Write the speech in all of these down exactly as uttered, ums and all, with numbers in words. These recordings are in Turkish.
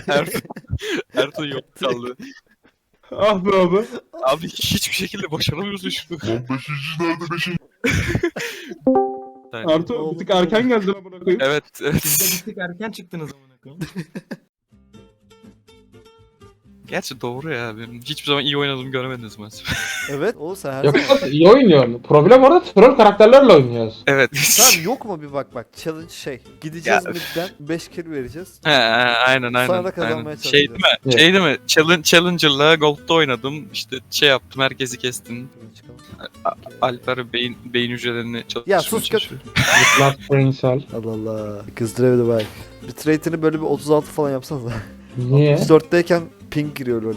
Ertuğ, Ertuğ yok kaldı. Ah be abi. Abi hiçbir şekilde başaramıyorsun şunu. Lan beşinci nerede beşinci? Yani, Ertuğ bir tık erken geldin amına koyayım. evet, evet. Siz de bir tık erken çıktınız amına koyayım. Gerçi doğru ya. Benim hiçbir zaman iyi oynadığımı görmediniz mi? Evet o sen her Yok zaman. lan, iyi oynuyorsun. Problem orada troll karakterlerle oynuyoruz. Evet. Tamam yok mu bir bak bak challenge şey. Gideceğiz Ya, midden beş kill vereceğiz. He, aynen aynen. Sonra da kazanmaya aynen. Şey değil çalışacağız. mi? Evet. Şey değil mi? Challenge, Challenger'la Gold'da oynadım. İşte şey yaptım, herkesi kestim. Alper beyin, beyin hücrelerini çalıştırmaya Ya sus göt. çalışıyor. Last Prince'al. Allah Allah. Kızdırabilir bak. Bitrate'ini böyle bir otuz altı falan yapsanız. Niye? altmış dörtteyken ping giriyor öyle.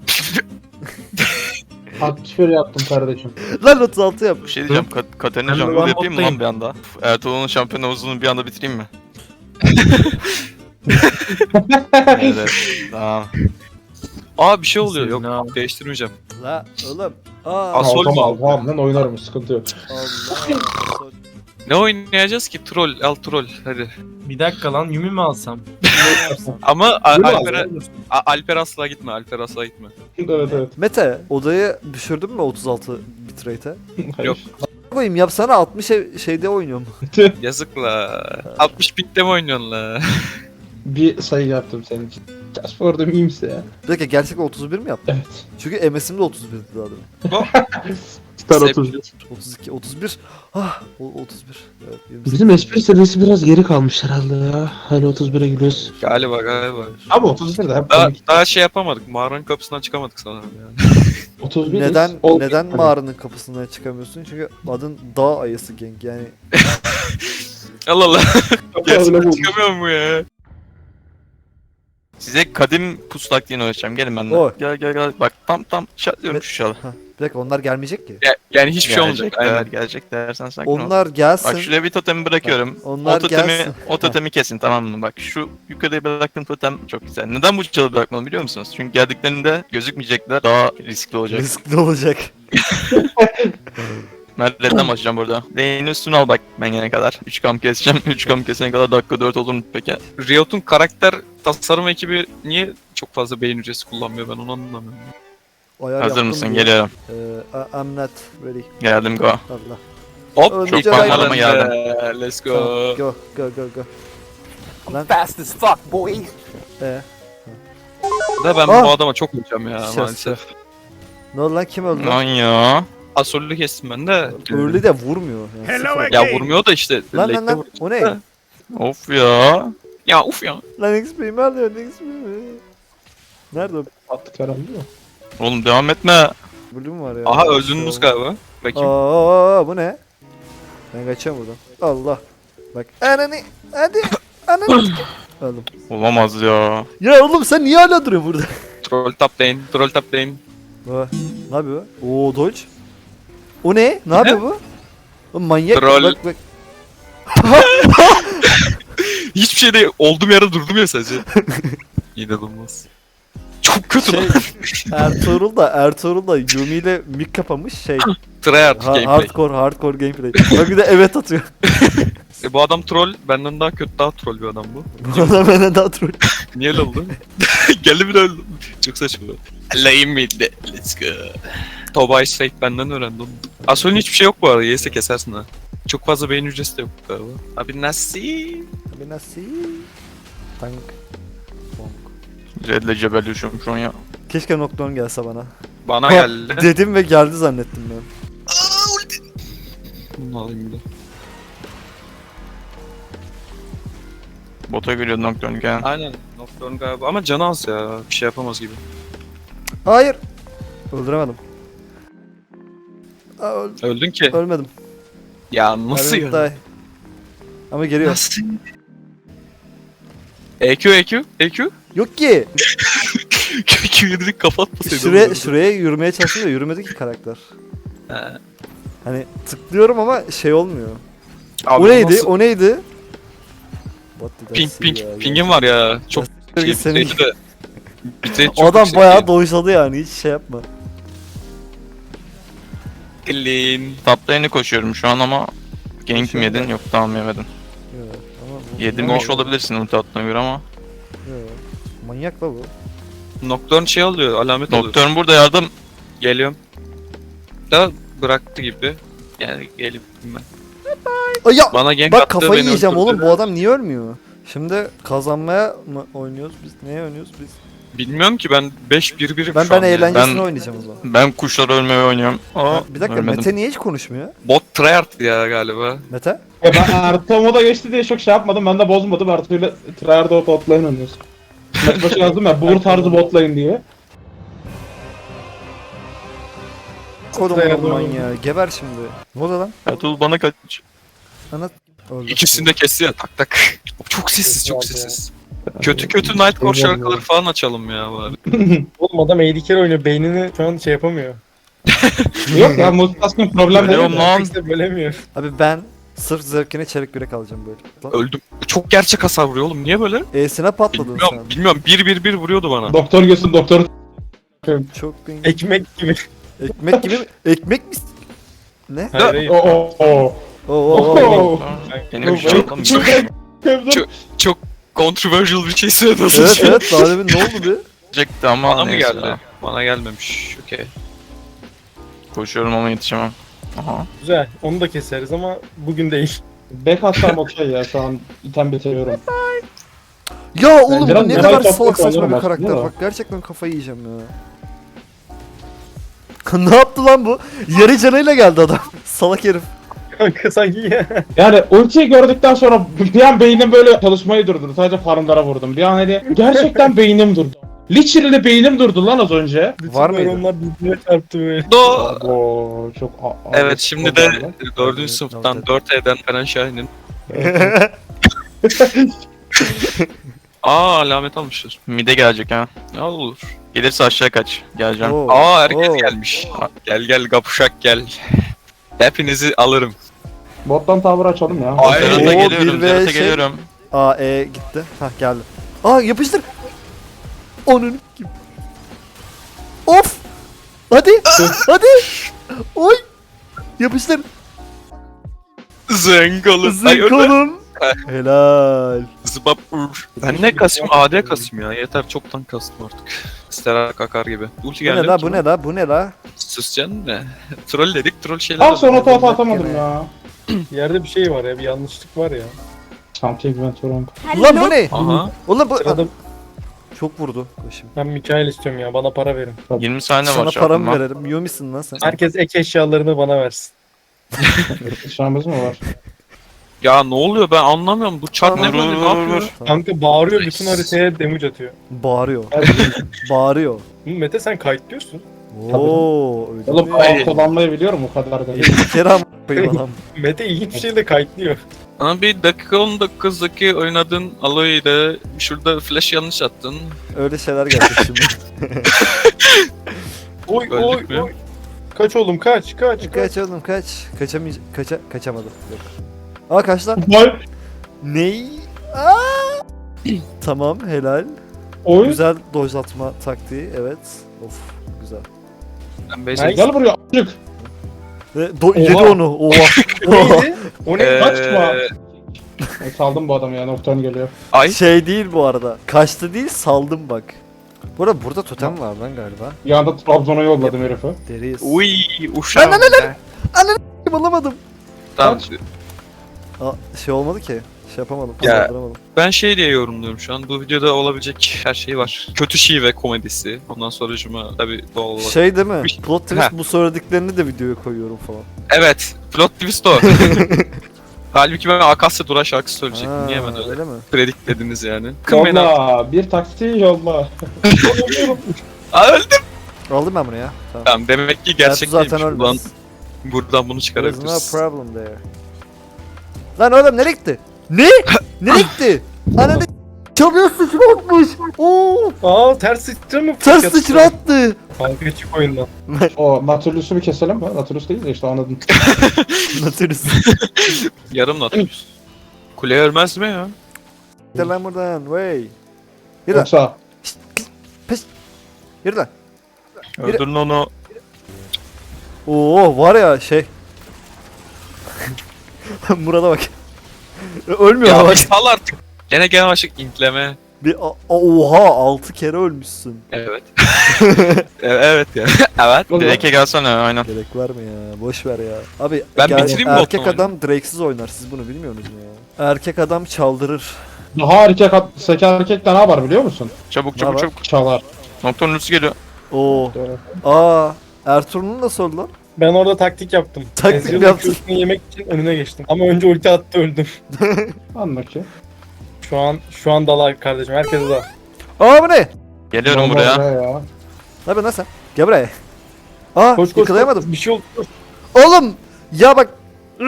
altmış bir yaptım kardeşim. Lan otuz altı yap. Bir şey diyeceğim. Kat Katerina Ben de jungle ben yapayım mı lan moddayım. bir anda? Ertuğrul'un şampiyon havuzunu bir anda bitireyim mi? Evet. Tamam. Aa bir şey oluyor. Senin Yok abi. değiştirmeyeceğim. La oğlum. Aa. As- Sol mu? Tamam tamam lan oynarım sıkıntı yok. Allah. Sol. Ne oynayacağız ki? Troll, al troll. Hadi. Bir dakika lan Yumi mi alsam? Ama A- Yürü Alper'e, abi. A- Alper asla gitme. Alper asla gitme. Evet evet. Mete odayı düşürdün mü otuz altı bitrate'e? Hayır. Yok. Koyayım yapsana altmış ev- şeyde oynuyorum. Yazık la. altmış pinkte mi oynuyorsun la? Bir sayı yaptım senin için. Just for the memes ya. Bir dakika gerçekten otuz bir mi yaptın? Evet. Çünkü M S'im de otuz birdi daha demin. Star Sevgili- otuz. otuz iki, otuz bir. Ah, o- otuz bir. Evet, yirmi sekiz. Bizim espri seviyesi biraz geri kalmış herhalde ya. Hani otuz bire gülüyoruz. Galiba galiba. Ama otuz bir de hep Daha, komik. daha şey yapamadık. Mağaranın kapısından çıkamadık sanırım yani. otuz bir Neden ol- neden mağaranın kapısından çıkamıyorsun? Çünkü adın dağ ayısı gang yani. Allah Allah. Öyle Gerçekten bulmuş. çıkamıyor mu ya? Size kadim pus taktiğini öğreteceğim. Gelin benden. Oy. Gel gel gel. Bak tam tam şartlıyorum Evet. şu şalı. Ha, bir dakika onlar gelmeyecek ki. Ya- yani hiçbir şey olmayacak. Gelecekler, Aynen. gelecekler. Sen sakin ol. Onlar gelsin. Bak şuraya bir totemi bırakıyorum. Bak, onlar o totemi, gelsin. o totemi kesin tamam mı? Bak şu yukarıya bıraktığım totem çok güzel. Neden bu çalı bırakmadım biliyor musunuz? Çünkü geldiklerinde gözükmeyecekler. Daha riskli olacak. Riskli olacak. Mert'den başlayacağım burada. Lane'in üstüne al bak ben gelene kadar. üç kam keseceğim. üç kam kesene kadar dakika dört olur mu peki? Riot'un karakter tasarım ekibi niye çok fazla beyin hücresi kullanmıyor ben onu anlamıyorum. Ayar Hazır yaptım mısın? diye. Geliyorum. Ee, I- I'm not ready. Geldim go. Allah. Hop Öldü çok Ceray banlarla mı geldi. geldim? Let's go. Tamam, go go go go. Lan. Fast as fuck, boy. Ee, Da ben Ah! bu adama çok vuracağım ya Şef, maalesef. ne oldu lan kim öldü Lan lan? ya. Asolü kestim ben de. Early de vurmuyor. Yani sıfır. Ya vurmuyor da işte. Lan lan late'de lan vur- o ne? Of ya. Ya uf ya. Lan X P'mi alıyor X P'mi. Nerede o? Attık herhalde mi? Oğlum devam etme. Bölüm var ya. Aha öldünüz galiba. Bakayım. Aa bu ne? Ben kaçıyorum buradan. Allah. Bak ananı hadi ananı. Öldüm. Olamaz ya. Ya oğlum sen niye hala duruyorsun burada? Troll top lane. Troll top lane. Aa, ne yapıyor? Oo dodge. O ne? Ne yapıyor bu? O manyak. Troll. Bak bak. Hiçbir şey de olduğum yerde durdum ya sadece. İnanılmaz. Çok kötü Şey, lan. Ertuğrul da Ertuğrul da Yumi ile mik kapamış şey. Tryhard Ha- gameplay. hardcore hardcore gameplay. Bak bir de evet atıyor. E, bu adam troll. Benden daha kötü daha troll bir adam bu. Bu adam benden daha troll. Niye öyle oldu? Geldi bir de öldü. Çok saçma. Lane mid'de. Let's go. Tobay straight benden öğrendi onu. Asol'ün hiçbir şey yok bu arada. Yese kesersin ha. Çok fazla beyin hücresi de yok galiba. Abi nasıl? Abi nasıl? Tank. Bonk. Red'le cebelleşiyorum şu an ya. Keşke Nocturne gelse bana. Bana geldi. Dedim ve geldi zannettim ben. Bunu alayım bir de. Bota geliyor Nocturne gel. Aynen. Nocturne galiba ama canı az ya. Bir şey yapamaz gibi. Hayır. Öldüremedim. Aa, öl- Öldün ki. ölmedim. Ya nasıl Ölmedim, ya? die. Ama geliyor. Nasıl? E Q E Q E Q Yok ki. E Q yedirdik kapatmasaydı. Şuraya, şuraya yürümeye çalıştım da yürümedi ki karakter. He. Hani tıklıyorum ama şey olmuyor. Abi o neydi? nasıl- O neydi? What did I Ping see ping. ya? Ping'im var ya. Çok Ya, şey, senin- bitrate'i de. Bitrate çok O adam yüksek bayağı değil. doysadı yani hiç şey yapma. Clean. Top lane'e koşuyorum şu an ama gank mi Koşuyorum yedin? ben. Yok tamam yemedin. Yok, ama bu- Yedirmiş bu- olabilirsin ulti attığına göre ama. yok. Manyak la bu. Nocturne şey alıyor, alamet alıyor. Doktorum burada yardım. Geliyorum. Da bıraktı gibi. Yani gelip ben. Ay ya! Bana gank Bak attı, kafayı beni yiyeceğim öldürdü. oğlum, bu adam niye ölmüyor? Şimdi kazanmaya mı oynuyoruz biz? Neye oynuyoruz biz? Bilmiyorum ki ben beş bir birim Ben şu ben an yani. eğlencesine Ben- oynayacağım o zaman. Ben kuşlar ölmeyi oynuyorum. Aa, Bir dakika, ölmedim. Mete niye hiç konuşmuyor? Bot tryhard ya galiba. Mete? Ya ben Ertuğ moda geçti diye çok şey yapmadım. Ben de bozmadım. Ertuğ'yla Tryhard'a bot lane oynuyoruz. Maç başı yazdım ya. Bur tarzı bot lane diye. Kodum Dayandı oğlum oğlum. manyağı. Geber şimdi. Ne oldu lan? Ertuğrul bana kaç. Ana... Öldü. İkisini de kesti ya tak tak. Çok sessiz, çok Sessiz abi sessiz. Kötü kötü Nightcore şarkıları falan açalım ya bari. Oğlum adam A D carry oynuyor. Beynini şu an şey yapamıyor. Yok ya multitasking problem değil. Biliyorum lan. Kimse bölemiyor. Abi ben sırf zevkine çelik yürek alacağım böyle. Lan, Öldüm. Çok gerçek hasar vuruyor oğlum. Niye böyle? E'sine patladın Bilmiyorum, sen. bilmiyorum. Bir bir bir vuruyordu bana. Doktor gelsin doktor. Çok bin... Ekmek gibi. Ekmek gibi mi? Ekmek mi? Ne? Hayır hayır. Oo oo oo. Oo oo oo. Benim bir şey Çok- yok. çok- Kevdim. Çok controversial bir şey söyledin. Evet evet, daha demin ne oldu be? Çekti ama Bana mı neyse geldi? ya. Bana gelmemiş. Okey. Koşuyorum ama yetişemem. Aha. Güzel. Onu da keseriz ama bugün değil. Back atsam okey ya şu an item bitiriyorum. Ya oğlum biraz bu ne merak kadar ettim, salak saçma sanırım bir aslında karakter. da. Bak gerçekten kafayı yiyeceğim ya. Ne yaptı lan bu? Yarı canıyla geldi adam. Salak herif. Kanka sanki ya. Yani ultiyi gördükten sonra bir an beynim böyle çalışmayı durdurdu. Sadece farmlara vurdum. Bir an hani gerçekten beynim durdu. Literally beynim durdu lan az önce. Var mıydı? Onlar birbirine çarptı böyle. Do. Oo çok a- a- Evet şimdi de problem lan. dördüncü sınıftan dört E'den Eren Şahin'in. Aa alamet almışlar. Mide gelecek ha. Ne olur. Gelirse aşağı kaç. Geleceğim. Oo, Aa herkes oo. gelmiş. Gel gel kapuşak gel. Hepinizi alırım. Bottan tavır açalım ya. Ay, Zerat'a Oo, geliyorum. bir ve Zerat'a şey- geliyorum. Aa E gitti. Hah geldi. Aa yapıştır. Onun kim? Of. Hadi. Hadi. Oy. Yapıştır. Zengalı. Ay öyle. Zıkalım. Helal. Zıbap ur. Ben ne kasayım? A D kasayım ya. Yeter çoktan kastım artık. Sterak akar gibi. Ulti Bu geldi. ne la bu ne la bu ne la? Susacaksın ne? Troll dedik troll şeyler. Al sonra oldu. tuhaf atamadım ya. Yerde bir şey var ya. Bir yanlışlık var ya. Champion Venturum. Ulan bu ne? Aha. Ulan bu Sırada çok vurdu başım. ben Mikael istiyorum ya. Bana para verin. yirmi saniye Sana var şu paramı an. veririm. Yumisin lan sen. Herkes ek eşyalarını bana versin. Şahımız mı var? Ya ne oluyor ben anlamıyorum. Bu çar ne Vur, böyle vur, ne vur, yapıyor? vur. Tamam. Kanka bağırıyor, bütün haritaya damage atıyor. Bağırıyor. Hadi. Bağırıyor. Hı, Mete sen kayıtlıyorsun. Oo öyle Oğlum mi? Ay. ağ kullanmayı biliyorum o kadar da. Bir kere ama koyayım adam. Mete ilginç bir şeyle kayıtlıyor. Ama bir dakika on dokuz'daki oynadığın Aloy ile şurada flash yanlış attın. Öyle şeyler geldi şimdi. Oy Öldük oy mü? oy. Kaç oğlum kaç kaç kaç. Kaç oğlum kaç. Kaçamayacak. Kaça kaçamadı. Yok. Aa kaç lan? Vay. Ney? Aa! Tamam helal. Oy. Güzel dojlatma taktiği evet. Of güzel. Ben basic. Nice. Gel buraya a**cık. Ve do Oha. yedi onu. Oha. O neydi? O neydi? Ee, Kaçma. Ben saldım bu adamı ya. Nocturne geliyor. Ay. Şey değil bu arada. Kaçtı değil saldım bak. Bu arada burada totem var lan galiba. Bir anda Trabzon'a yolladım herifi. Deriyiz. Uy uşağım. Lan, lan, Bulamadım. Tamam. Aa, şey olmadı ki. Şey yapamadım. Ya. Saldıramadım. Ben şey diye yorumluyorum şu an. Bu videoda olabilecek her şey var. Kötü şive komedisi. Ondan sonra cuma tabii doğal olarak. Şey değil mi? Bir- Plot twist Ha. bu söylediklerini de videoya koyuyorum falan. Evet. Plot twist o. Halbuki ben Akasya Dura şarkısı söyleyecektim. Ha, Niye hemen öyle öyle mi? prediklediniz yani? Kın beni artık. Yolla. Bir taksi yolla. Aa, öldüm. Aldım ben bunu ya. Tamam. Tamam demek ki Ertuğ gerçekliymiş. zaten Buradan, ölmez. buradan bunu There's çıkarabiliriz. no problem there. Lan oğlum nereye gitti? Ne? Nereye gitti? Ananı çalıyor sıçratmış. Oo! Aa ters sıçra mı? Ters sıçrattı. Kanka çık oyundan. O Natulus'u bir keselim mi? Naturlus değil de işte anladın. Natürüz. Yarım Nautilus. Kule ölmez mi ya? Gel lan buradan. Way. Yürü lan. Yoksa Yürü lan. Öldürün onu. Oo var ya şey. Murat'a bak. Ölmüyor ama Ya bak. bir sal artık. Gene gene başlık intleme. Bir a- oha altı kere ölmüşsün. Evet. evet ya. evet. Drake'e gelsene aynen. Gerek var mı ya? Boş ver ya. Abi Ben ger- bitireyim mi erkek Botman'ı? adam Drake'siz oynar. Siz bunu bilmiyorsunuz mu ya? Erkek adam çaldırır. Daha erkek, at- sek erkek de ne yapar biliyor musun? Çabuk Ne çabuk var? çabuk. Çalar. Nocturne ultisi geliyor. Oo. Aa. Ertuğrul'un nasıl oldu lan? Ben orada taktik yaptım. Taktik Ezreal'ın mi yaptın? Q'sunu yemek için önüne geçtim. Ama önce ulti attı öldüm. Anla ki. Şu an şu an dala kardeşim. Herkese dal. Aa bu ne? Geliyorum Normal buraya. ya. Ne yapıyorsun lan sen? Gel buraya. Aa Koş koş. yakalayamadım. koş. Bir şey oldu. Koş. Oğlum! Ya bak.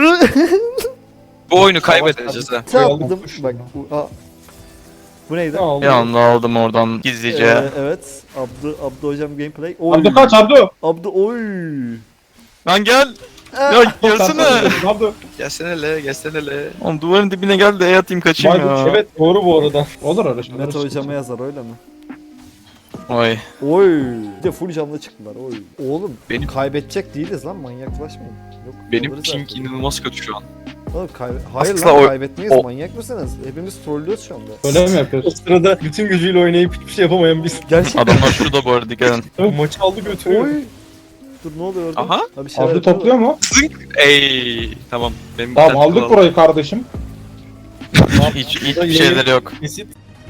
Bu oyunu kaybedeceğiz ha. Çarptım. Bak. Bu, aa. Bu neydi? Ne oldu? Bir anda aldım oradan gizlice. Ee, evet. Abdu, Abdu hocam gameplay. Oy. Abdü kaç Abdü? Abdu oy. Lan gel. Aa. Ya gelsene. Abdü. Gelsene le, gelsene le. Oğlum duvarın dibine gel de E atayım kaçayım ya. Evet doğru bu arada. Olur öyle şeyler. Mete hocama yazar öyle mi? Oy. Oy. Bir de full canlı çıktılar. Oy. Oğlum Benim- kaybedecek değiliz lan manyaklaşmayın. Yok. Benim alırız ping artık. inanılmaz kötü şu an. Oğlum kaybe Hayır Aslında lan o- kaybetmeyiz o- manyak mısınız? Hepimiz trollüyoruz şu anda. Öyle mi O yapıyorsun? sırada bütün gücüyle oynayıp hiçbir şey yapamayan biz. Gerçekten. Adamlar şurada bu arada dikkat edin. Tabii maçı aldı götürüyor. Oy. Dur ne oluyor orada? Aha. Ha, bir şeyler Abdü yapıyor topluyor da. mu? Zınk. Ey. Tamam. Benim Tamam internet aldık kulağım. burayı kardeşim. Hiç hiçbir şeyleri yok. Kesit.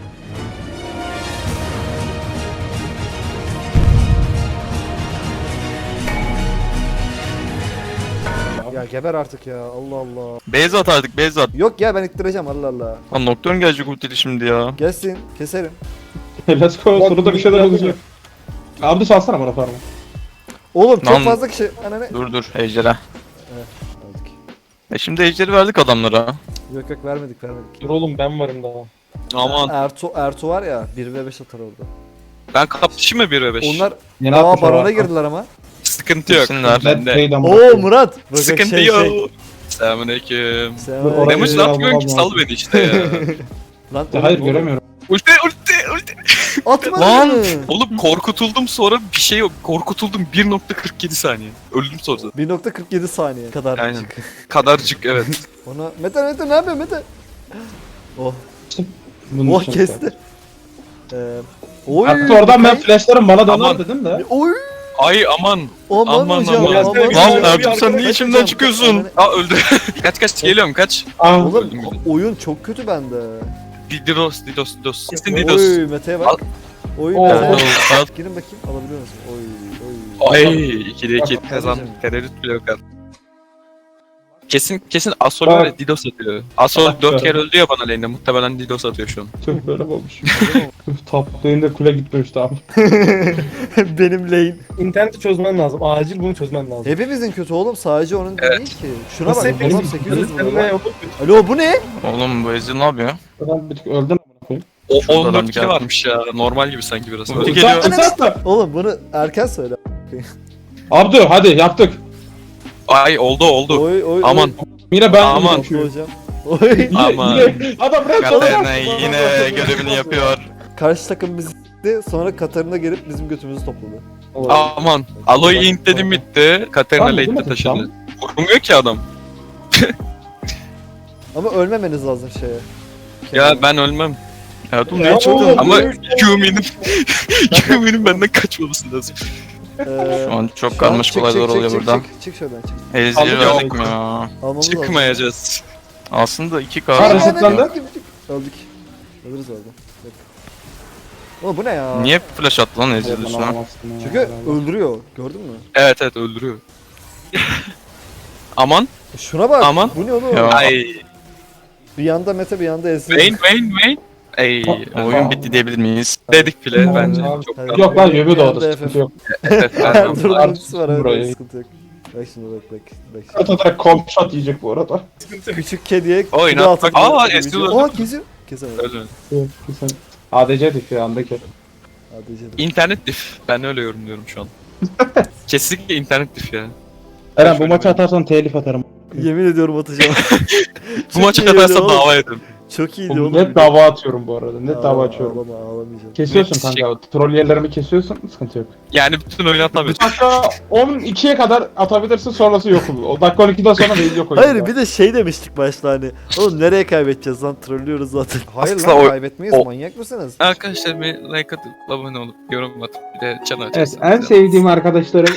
Ya geber artık ya Allah Allah. Base at artık base at. Yok ya ben ittireceğim Allah Allah. Lan Nocturne gelecek ultili şimdi ya. Gelsin keserim. Let's go. Soruda bir şeyler olacak. Abdü salsana bana farmı. Oğlum çok Lan- fazla kişi. Ana ne? Dur dur ejderha. Verdik. E şimdi ejderi verdik adamlara. Yok yok vermedik vermedik. Dur oğlum ben varım daha. Aman. Ertuğ, Ertuğ var ya bir ve beş atar orada. Ben kapışayım mı bir ve beş? Onlar Yeni aa atmış barona orada. girdiler ama. Sıkıntı yok. Gitsinler. Red Bende. Pay'den Oo bakıyorum. Murat. Bak, Sıkıntı şey, yok. Şey. Selamünaleyküm. Selam. Oraya Demiş bir ne yapıyorsun ki almam sal lazım. beni işte ya. Lan Hayır oğlum, oğlum. göremiyorum. ulti ulti ulti. Atma Lan! lan. Oğlum korkutuldum sonra bir şey yok. Korkutuldum bir nokta kırk yedi saniye. Öldüm sonra. bir nokta kırk yedi saniye kadar. Aynen. Kadarcık evet. Ona Mete Mete ne yapıyor Mete? Oh. Bunun Oh için. kesti. Ee, oy. Hatta oradan ben Kay- flashlarım bana döner Aman. dedim de. Oy. Ay aman. Aman, Aman, hocam. aman. Aman, Lan hocam. Ertuğ sen niye Kaç içimden hocam? çıkıyorsun? Aa öldü. kaç kaç geliyorum kaç. Ah. Oğlum Öldüm bile. oyun çok kötü bende. Didos Didos Didos. Kesin Didos. Oy Mete'ye bak. Oy Oo. Mete. Al. Girin bakayım alabiliyor musun? Oy oy. Ay ikide iki Bak, kazandık. kardeşim. Tereddüt bile yok artık. Kesin kesin Asol Bak. var ya Didos atıyor. Asol Bak, dört bak. kere öldü ya bana lane'de. Muhtemelen Didos atıyor şu an. Tüh böyle mi olmuş? Tüh top lane'de kule gitmemişti abi. Benim lane. İnterneti çözmen lazım. Acil bunu çözmen lazım. Hepimizin kötü oğlum sadece onun değil ki. Şuna Nasıl bak hepimiz- adam sekiz yüz Seninle vurdu lan. yapıp- Alo bu ne? Oğlum bu Ezreal ne yapıyor? Ben bir tık öldüm amına koyayım. O Şurada on adam dört bir kere geldi. varmış ya. Normal gibi sanki biraz. Ulti Öyle. geliyor. Uzatma, uzatma. Oğlum bunu erken söyle. Abdü hadi yaptık. Ay oldu oldu. Oy oy. Aman. Yine ben Aman. Oy. Oldu hocam. Oy. Aman. Yine- Adam bırak Katarina yine görevini yapıyor. Karşı takım bizi s**ti, sonra Katarina gelip bizim götümüzü topladı. Aman. Aloy int dedim bitti. Katerina Tamam, değil late'de mi? taşıdı. Tamam. Vurmuyor ki adam. Ama ölmemeniz lazım şeye. Ya ben ölmem. Ertuğ Ya ne çıktı? oğlum. Ama Q'minin Q'minin benden kaçmaması lazım. Ee, Şu an çok şu an karmaşık çık, olaylar çık, oluyor çık, burada. Çık, çık şuradan çık. Ezreal'i Alıyor. verdik mi ya? Almamız lazım. Çıkmayacağız. Aslında iki Ha, K. resetlendi. Öldük. Ölürüz orada. Yok. Oğlum bu ne ya? Niye flash attı lan Ezreal üstüne? Çünkü öldürüyor. Gördün mü? Evet evet öldürüyor. Aman. Şuna bak. Aman. Bu ne oğlum? Ya. Ay. Bir yanda Mete bir yanda Ezreal. Vayne Vayne Vayne. Ey. Oyun bitti diyebilir miyiz? Dedik bile Tamam, bence. tamam. Çok Hadi. rahat. Yok lan Yöbü Bir doğdu anda sıkıntı F F. yok. Evet, ben- Ertuğrul'un Artık ultisi var evet burayı. sıkıntı yok. Bak şimdi bak bak. bak şimdi. Kata direkt komp shot yiyecek bu arada. Küçük kediye Oyun kilo atmak- atıp- Aa, Ezreal öldü. Aa kesiyor. Kesemedi. Öyle. Güzel. A D C'dik ya andaki. Hadi canım. İnternet dif. Ben öyle yorumluyorum şu an. Kesinlikle internet dif ya. Eren bu maçı atarsan telif atarım. Yemin ediyorum atacağım. Bu maçı Çok iyi katarsam oğlum. dava ederim. Çok iyiydi oğlum. Net dava atıyorum bu arada. Net dava Aa, açıyorum. Ağlama ağlamayacağım. Kesiyorsun Net kanka. Troll yerlerimi kesiyorsun. Sıkıntı yok. Yani bütün oyunu atabiliyorsun. Dakika on ikiye kadar atabilirsin, sonrası yok olur. O dakika on ikiden sonra değil, yok oyun. Hayır bir de şey demiştik başta hani. Oğlum nereye kaybedeceğiz lan, trollüyoruz zaten. Hayır Aslında lan o- kaybetmeyiz, o- manyak mısınız? Arkadaşlar bir like atıp abone olup yorum atıp bir de channel Evet, açarsanız. en sevdiğim arkadaşlarım